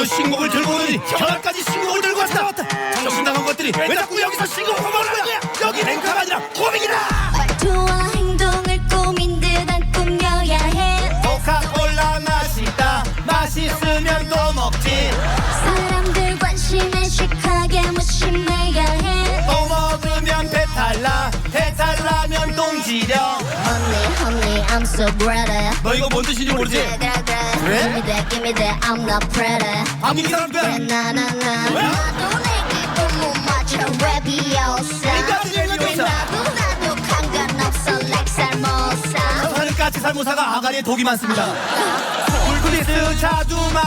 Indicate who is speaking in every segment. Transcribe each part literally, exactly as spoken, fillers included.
Speaker 1: 신곡을 들고 오더니 현아까지 신곡을 들고 왔다. 정신 나간 것들이 왜 자꾸 여기서 신곡을 먹는 거야? 여기 랭카가 아니라 코믹이다.
Speaker 2: 말투와 행동을 꾸민 듯한 꾸며야 해.
Speaker 1: 코카콜라 맛있다. 맛있으면 또 먹지.
Speaker 2: 사람들 관심에 식하게 무심해야 해.
Speaker 1: 또 먹으면 배탈나. 배탈나면 똥지려.
Speaker 2: Honey, honey, I'm so pretty.
Speaker 1: 너 이거 뭔 뜻인지 모르지?
Speaker 2: 그래, 그래, 그래.
Speaker 1: 그래?
Speaker 2: Give me that, give me that, I'm not pretty.
Speaker 1: 방금 이 사람
Speaker 2: 그래,
Speaker 1: 거야.
Speaker 2: 나나나.
Speaker 1: 왜?
Speaker 2: 나도 내 기분 못 맞춰 랩이었어.
Speaker 1: 인간이 랩이었어.
Speaker 2: 나도 나도 상관없어 like 살모사.
Speaker 1: 사는 까치 살모사가 아가리에 독이 많습니다. 굴굴리스 자두맛.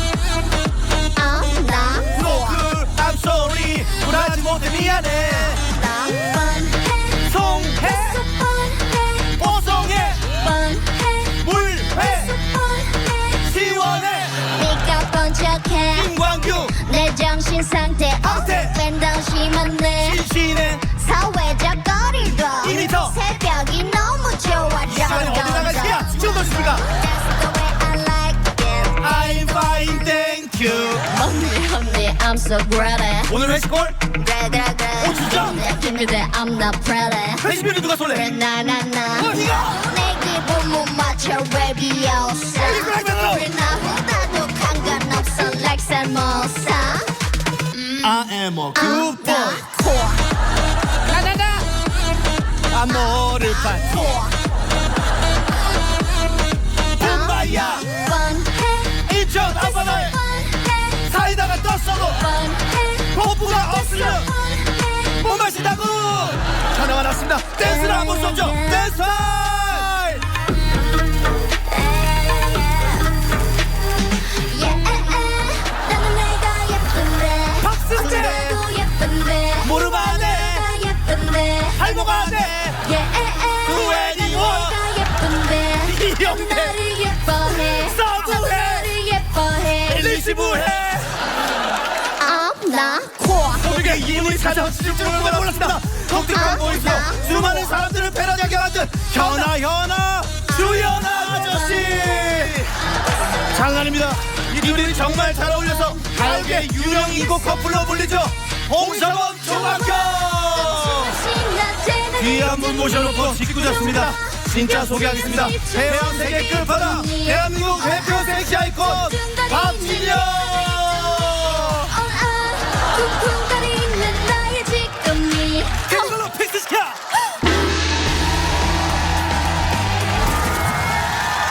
Speaker 2: 어, 나
Speaker 1: 노크 I'm sorry. 굴하지 못해 미안해.
Speaker 2: 뻔해.
Speaker 1: 송해
Speaker 2: 뻔해.
Speaker 1: 보송해
Speaker 2: 뻔해.
Speaker 1: 물회
Speaker 2: 뻔해.
Speaker 1: 시원해
Speaker 2: 네가 번쩍해.
Speaker 1: 김광규
Speaker 2: 내 정신 상태
Speaker 1: 상태.
Speaker 2: 밴더 심한데
Speaker 1: 신신해
Speaker 2: 사회적 거리도
Speaker 1: 이 미터.
Speaker 2: 새벽이 너무 좋아.
Speaker 1: 시간이 어디 나가 있을까? 지금 보십니까?
Speaker 2: That's the way I like it.
Speaker 1: I'm fine thank you.
Speaker 2: Honey, honey, I'm so pretty.
Speaker 1: 오늘 회식골
Speaker 2: 그래, 그래, 그래.
Speaker 1: 오, 진짜?
Speaker 2: Give me that, I'm not pretty.
Speaker 1: 회식비는 누가
Speaker 2: 그래,
Speaker 1: 쏠래?
Speaker 2: 나나나.
Speaker 1: 어, 네가?
Speaker 2: 내 기분 못 맞춰 랩이었어.
Speaker 1: 그래, 그래.
Speaker 2: 그래, 나보다도 상관없어 like 살모사.
Speaker 1: I am a good boy.
Speaker 2: 나
Speaker 1: 나나나 아 너를 봤지 붐바야
Speaker 2: 뻔해.
Speaker 1: 인천 앞바다에
Speaker 2: 뻔해.
Speaker 1: 사이다가 떴어도
Speaker 2: 뻔해.
Speaker 1: 호프가 없으면
Speaker 2: 뻔해.
Speaker 1: 못 마신다고. 전화가 났습니다. 댄스를 한번 쏘죠. 댄스 타임.
Speaker 2: Yeah, 나는 내가 예쁜데.
Speaker 1: 박승재.
Speaker 2: 나도 예쁜데.
Speaker 1: 무릎 안에
Speaker 2: 내가 예쁜데.
Speaker 1: 할목 안에
Speaker 2: Yeah,
Speaker 1: 구애니원.
Speaker 2: 내가 예쁜데.
Speaker 1: 이영대
Speaker 2: 나를 예뻐해.
Speaker 1: 서구해.
Speaker 2: 나를 예뻐해.
Speaker 1: 일리시부해
Speaker 2: I'm not cool.
Speaker 1: 우리가 이분이 찾아오실 줄은 몰랐습니다. 독특한 보이스로 수많은 사람들을 패러디하게 만든 현아 현아 주연아 아저씨. 장난입니다. 이 둘이 정말 잘 어울려서 가요계 유령 인고 커플로 불리죠. 홍서범 조각경. 귀한 분 모셔놓고 짓궂었습니다. 진짜 소개하겠습니다. 태연 세계 끝바다